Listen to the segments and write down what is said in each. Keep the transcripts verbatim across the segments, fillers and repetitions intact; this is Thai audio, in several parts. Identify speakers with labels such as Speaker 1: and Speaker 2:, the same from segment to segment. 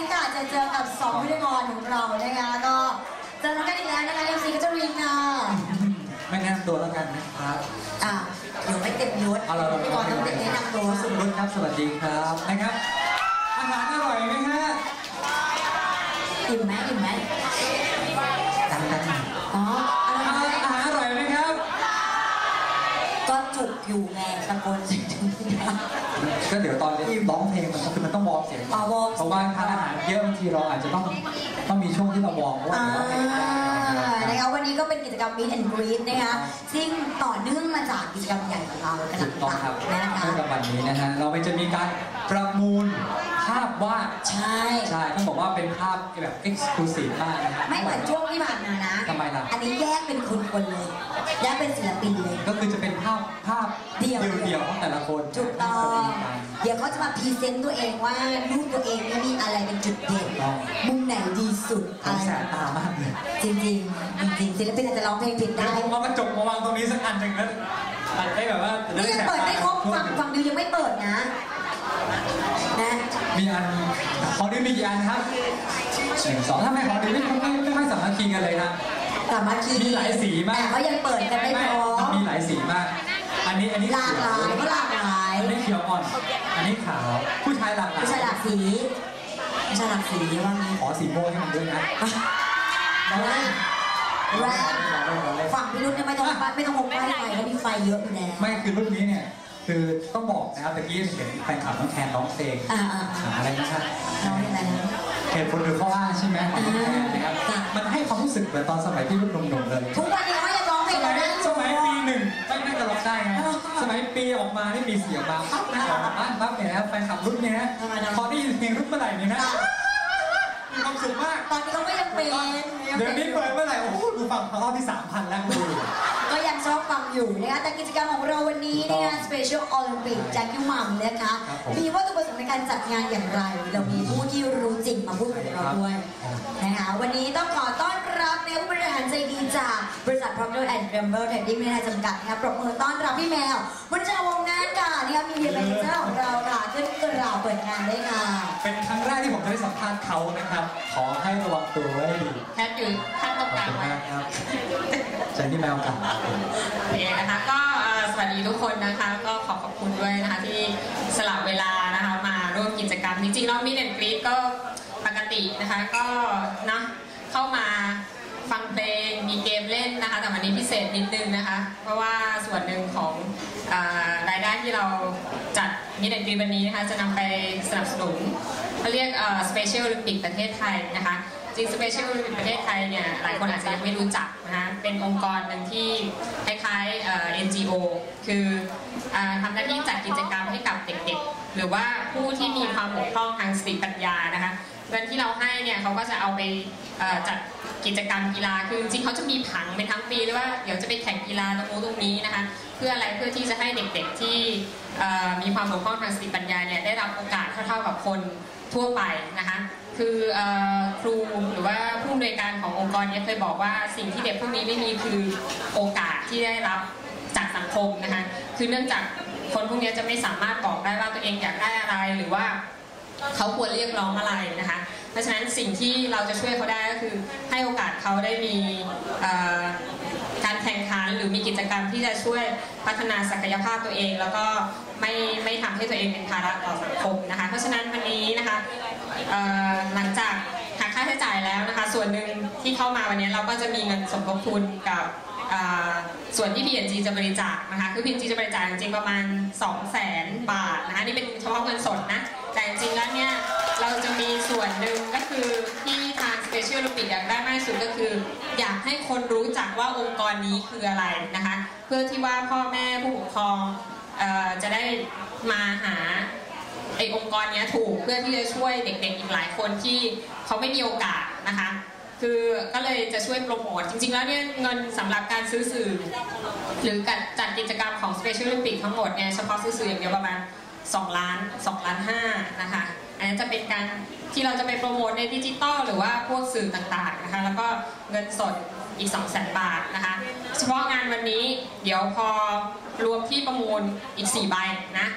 Speaker 1: ค่ะจะเจอกับสองพิธีกรของเรานะคะก็เจอกันอีกแล้วนะคะเอ็มซีกัจจรินค่ะ
Speaker 2: ไม่แนะนำตัวแล้วกันนะครับ
Speaker 1: อ่ะเดี๋ยวไม่เต็มยศพิธีกรต้องแนะนำตัว
Speaker 2: สุรุตครับสวัสดีครับนะครับอาหารอร่อยไหมฮะ
Speaker 1: อิ่มไหมอิ่มไหม
Speaker 2: ดังดัง
Speaker 1: อ๋ออาหาร
Speaker 2: อาหารอร่อยไหมครับ
Speaker 1: ก็จุกอยู่ไงตะโกนจริง
Speaker 2: ๆก็เดี๋ยวตอนที่ร้องเพลงมันคือมันต้องวอร์มเสียงเพราะว่าทานอาหารเยอะบางทีเราอาจจะต้องต้องมีช่วงที่เราวอร์มว่าเดี๋ยวเราเพลง
Speaker 1: นะคะวันนี้ก็เป็นกิจกรรม Meet and Greet นะคะซึ่งต่อเนื่องมาจากกิจกรรมใหญ่ของเรา
Speaker 2: ถูกต้องครับ
Speaker 1: นะคะ
Speaker 2: ในวันนี้นะฮะเราไปจะมีการประมูลภาพวาด
Speaker 1: ใช่
Speaker 2: ใช่ต้องบอกว่าเป็นภาพแบบ exclusive มากนะฮะ
Speaker 1: ไม่เหมือนช่วงที่ผ่านมานะ
Speaker 2: ทำไมล่ะ
Speaker 1: อันนี้แยกเป็นคนๆเลยแยกเป็นศิลปินเลย
Speaker 2: ก็คือจะเป็นภาพภาพเดี่ยวเดี่ยวของแต่ละคน
Speaker 1: ถูกต้องเดี๋ยวเขาจะมาพรีเซนต์ตัวเองว่ารูปตัวเองนี่มีอะไรเป็นจุดเด่นมุมไหนดีสุด
Speaker 2: อะไรแสบตามากเลย
Speaker 1: จริงจริงจริงศิลปินอาจจะร้องเพลงผิดได้
Speaker 2: ผมเอากระจกมาวางตรงนี้สักอันหนึ่งแล้วตัดได้แบบว่า
Speaker 1: นี่ยังเปิดไม่ครบฝั่งฝั่งดิวยังไม่เปิดนะนะ
Speaker 2: มีอันของดิวมีกี่อันครับหนึ่งสองถ้าไม่ของดิวไม่ไม่ไม่ไม่สามารถคีกันเลยนะ
Speaker 1: สามารถคี
Speaker 2: มีหลายสีมาก
Speaker 1: แต่เขายังเปิดกันไม่พอ
Speaker 2: มีหลายสีมากอันนี้อันนี้
Speaker 1: หลากหลายก็หลากหลาย
Speaker 2: อันนี้เขียวอ่อนอันนี้ขาวผู้ชายหลากหลาย
Speaker 1: ผู้ชายหลากสีผู้ชายหลากสีว่ามี
Speaker 2: ขอสีโม่ให้มันด้วยนะ
Speaker 1: แรงแรงฝั่งพี่รุ่นเนี่ยไม่ต้องไม่ต้องหกไฟไฟแล้วมีไฟเยอะอยู่แล้ว
Speaker 2: ไม่คือรุ่นนี้เนี่ยคือต้องบอกนะครับตะกี้เห็นแฟนคลับน้องแคนร้องเพลงอะไรนะครับ
Speaker 1: น้องอะไรนะ
Speaker 2: เหตุผลหรือข้ออ้างใช่ไหมของน้องแคนนะครับมันให้ความรู้สึกเหมือนตอนสมัยที่รุ่นหนุ่มๆเลย
Speaker 1: ทุกวันนี้เขายังร้องเพลง
Speaker 2: แล้ว
Speaker 1: นะ
Speaker 2: สมัยปีหนึ่งไม่น่าจะร้องได้ไงสมัยปีออกมาที่มีเสียงมาปั๊บนะออกมาบ้านปั๊บเนี่ยนะแฟนคลับรุ่นนี้พอได้ยินเพลงรุ่นเมื่อไหร่เนี่ยนะมีความสุขมาก
Speaker 1: ตอนนี้เขาก็ยังเป็น
Speaker 2: เดี๋ยวนี้เปิดเมื่อไหร่โอ้โหดูฟังรอบที่สามพันแล้วดู
Speaker 1: ก็ยังชอบฟังอยู่นะคะแต่กิจกรรมของเราวันนี้นะคะ Special Olympic จากยูมัมนะคะมีวัตถุประสงค์ในการจัดงานอย่างไรเรามีผู้ที่รู้จริงมาพูดกับเราด้วยนะคะวันนี้ต้องขอต้อนรับในผู้บริหารใจดีจากบริษัท Procter แอนด์ Gamble Trading ในจำกัดนะคะปรบมือต้อนรับพี่แมววันเจ้าวงงานค่ะนะคะมีเดียแมเนเจอร์ของเราค่ะขึ้นกระเปิดงานได้ค่ะ
Speaker 2: เป็นครั้งแรกที่ผมได้สัมภาษณ์เขานะครับขอให้ระวังตัวไว้ดี
Speaker 3: แพทอยู่ท่านตรงกลางไว้
Speaker 2: ครับใจที่แมวกัน
Speaker 3: โอเคนะคะก็สวัสดีทุกคนนะคะก็ขอขอบคุณด้วยนะคะที่สละเวลานะคะมาร่วมกิจกรรมจริงๆแล้วมีเด่นกรี๊ดก็ปกตินะคะก็นะเข้ามาฟังเพลงมีเกมเล่นนะคะแต่วันนี้พิเศษนิดนึงนะคะเพราะว่าส่วนหนึ่งของรายได้ที่เราจัดมีเด่นกรี๊ดวันนี้นะคะจะนำไปสนับสนุนเขาเรียก Special Olympic ประเทศไทยนะคะจริง Special Olympic ประเทศไทยเนี่ยหลายคนอาจจะยังไม่รู้จักนะคะเป็นองค์กรหนึ่งที่คล้ายๆ เอ็น จี โอ คือทำหน้าที่จัดกิจกรรมให้กับเด็กๆหรือว่าผู้ที่มีความบกพร่องทางสติปัญญานะคะเงินที่เราให้เนี่ยเขาก็จะเอาไปจัดกิจกรรมกีฬาคือจริงเขาจะมีผังเป็นทั้งปีเลยว่าเดี๋ยวจะไปแข่งกีฬาตรงนู้นตรงนี้นะคะเพื่ออะไรเพื่อที่จะให้เด็กๆที่มีความบกพร่องทางสติปัญญาเนี่ยได้รับโอกาสเท่าๆกับคนทั่วไปนะคะคือครูหรือว่าผู้อำนวยการขององค์กรนี้เคยบอกว่าสิ่งที่เด็กพวกนี้ไม่มีคือโอกาสที่ได้รับจากสังคมนะคะคือเนื่องจากคนพวกนี้จะไม่สามารถบอกได้ว่าตัวเองอยากได้อะไรหรือว่าเขาควรเรียกร้องอะไรนะคะเพราะฉะนั้นสิ่งที่เราจะช่วยเขาได้ก็คือให้โอกาสเขาได้มีการแข่งขันหรือมีกิจกรรมที่จะช่วยพัฒนาศักยภาพตัวเองแล้วก็ไม่ไม่ทำให้ตัวเองเป็นภาระต่อสังคมนะคะเพราะฉะนั้นวันนี้นะคะหลังจากหักค่าใช้จ่ายแล้วนะคะส่วนหนึ่งที่เข้ามาวันนี้เราก็จะมีเงินสมทบทุนกับส่วนที่ พี เอ็น จี จะบริจาคนะคะคือ พี เอ็น จี จะบริจาคจริงๆประมาณ สองแสน บาทนะคะนี่เป็นเฉพาะเงินสดนะแต่จริงๆแล้วเนี่ยเราจะมีส่วนหนึ่งก็คือที่ทาง Special Olympic อยากได้มากที่สุดก็คืออยากให้คนรู้จักว่าองค์กรนี้คืออะไรนะคะเพื่อที่ว่าพ่อแม่ผู้ปกครองจะได้มาหาไอ้องค์กรนี้ถูกเพื่อที่จะช่วยเด็กๆอีกหลายคนที่เขาไม่มีโอกาสนะคะคือก็เลยจะช่วยโปรโมทจริงๆแล้วเนี่ยเงินสำหรับการซื้อสื่อหรือการจัดกิจกรรมของ Special Olympic ทั้งหมดเนี่ยเฉพาะซื้อสื่ออย่างเดียวประมาณสองล้านสองล้านห้านะคะอันนี้จะเป็นการที่เราจะไปโปรโมทในดิจิตอลหรือว่าพวกสื่อต่างๆนะคะแล้วก็เงินสดอีก สองแสน บาทนะคะเฉพาะงานวันนี้เดี๋ยวพอรวมที่ประมูลอีกสี่ใบนะ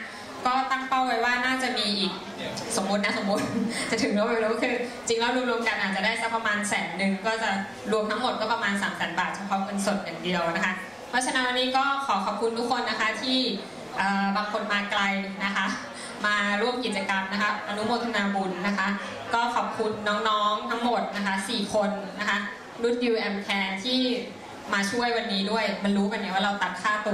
Speaker 3: ก็ตั้งเป้าไว้ว่าน่าจะมีอีกสมมตินะสมมติ จะถึงแล้วไม่รู้คือจริงแล้วรวมๆกันอาจจะได้สักประมาณแสนหนึ่งก็จะรวมทั้งหมดก็ประมาณสามแสนบาทเฉพาะเงินสดอย่างเดียวนะคะเพราะฉะนั้นวันนี้ก็ขอขอบคุณทุกคนนะคะที่บางคนมาไกลนะคะมาร่วมกิจกรรมนะคะอนุโมทนาบุญนะคะก็ขอบคุณน้องๆทั้งหมดนะคะสี่คนนะคะรุ่นยูแอมแคร์ที่มาช่วยวันนี้ด้วยมันรู้กันเนี่ยว่าเราตัดค่าตัว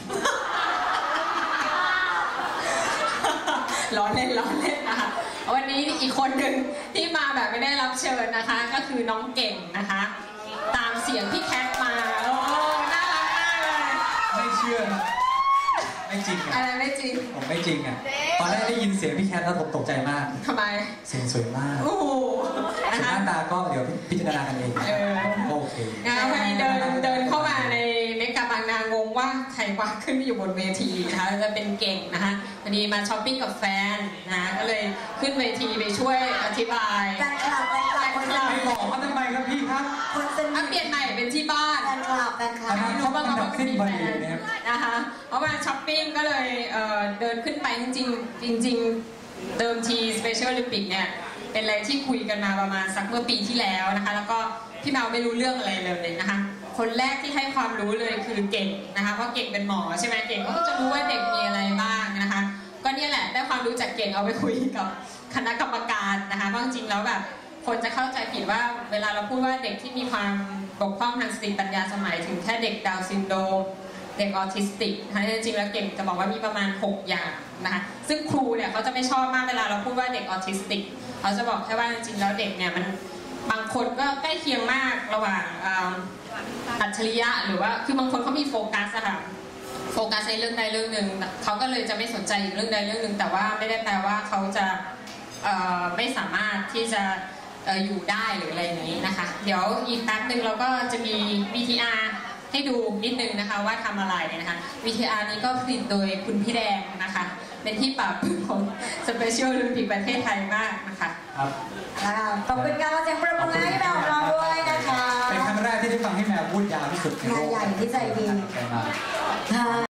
Speaker 3: ล้อเล่นล้อเล่นนะคะวันนี้อีกคนหนึ่งที่มาแบบไม่ได้รับเชิญนะคะก็คือน้องเก่งนะคะตามเสียงพี่แคทมาโอ้น่ารักมากเลย
Speaker 2: ไม่เชื่อไม่จริงอ่ะ
Speaker 3: อะไรไม่จริง
Speaker 2: ผมไม่จริงอ่ะตอนแรกได้ยินเสียงพี่แคทแล้วผมตกใจมาก
Speaker 3: ทำไม
Speaker 2: เสียงสวยมาก
Speaker 3: โอ้โห
Speaker 2: หน้าตาก็เดี๋ยวพิจารณากันเองโอเค
Speaker 3: งานวันนี้เดินเดินเข้ามาในเมกะบางนางงว่าใครว่าขึ้นอยู่บนเวทีนะคะจะเป็นเก่งนะคะวันนี้มาช้อปปิ้งกับแฟนนะก็เลยขึ้นเวทีไปช่วยอธิบาย
Speaker 1: แฟนคลับแฟนคลับคน
Speaker 2: จะไม่บอกเขาทำไมครับพี่ครับ
Speaker 1: คนสนิท
Speaker 3: เปลี่ยนใหม่เป็นที่บ้าน
Speaker 1: แฟนคลับแฟนคลับ
Speaker 3: เขาบ้างเขาเป็นแฟนนะคะเพราะว่าช้อปปิ้งก็เลยเดินขึ้นไปจริงๆจริงๆเดิมที Special Olympic เนี่ยเป็นอะไรที่คุยกันมาประมาณสักเมื่อปีที่แล้วนะคะแล้วก็พี่เมาไม่รู้เรื่องอะไรเลยนะคะคนแรกที่ให้ความรู้เลยคือเก่งนะคะเพราะเก่งเป็นหมอใช่ไหมเก่งก็จะรู้ว่าเด็กมีอะไรบ้างนะคะก็เนี่ยแหละได้ความรู้จากเก่งเอาไปคุยกับคณะกรรมการนะคะเพราะจริงๆแล้วแบบคนจะเข้าใจผิดว่าเวลาเราพูดว่าเด็กที่มีความบกพร่องทางสติปัญญาสมัยถึงแค่เด็กดาวน์ซินโดรมเด็กออทิสติกนะคะจริงๆแล้วเก่งจะบอกว่ามีประมาณหกอย่างนะคะซึ่งครูเนี่ยเขาจะไม่ชอบมากเวลาเราพูดว่าเด็กออทิสติกเขาจะบอกแค่ว่าจริงๆแล้วเด็กเนี่ยมันบางคนก็ใกล้เคียงมากระหว่างอัจฉริยะหรือว่าคือบางคนเขามีโฟกัสอะค่ะโฟกัสในเรื่องใดเรื่องหนึ่งเขาก็เลยจะไม่สนใจอีกเรื่องใดเรื่องหนึ่งแต่ว่าไม่ได้แปลว่าเขาจะไม่สามารถที่จะอยู่ได้หรืออะไรอย่างนี้นะคะเดี๋ยวอีกแป๊บหนึ่งเราก็จะมี วี ที อาร์ ให้ดูนิดนึงนะคะว่าทำอะไรนะคะ วี ที อาร์ นี้ก็ผลิตโดยคุณพี่แดงนะคะเป็นที่ปราบปลื้มของ Special Olympic ประเทศไทยมากนะคะ
Speaker 2: ครับ
Speaker 1: ขอบคุณการเสียงปรบมือให้แมวของเราด้วยนะคะ
Speaker 2: เป็นครั้งแรกที่ได้ฟังให้แมวพูดยาวที่สุดในโลก
Speaker 1: ใหญ่ที่ใจดี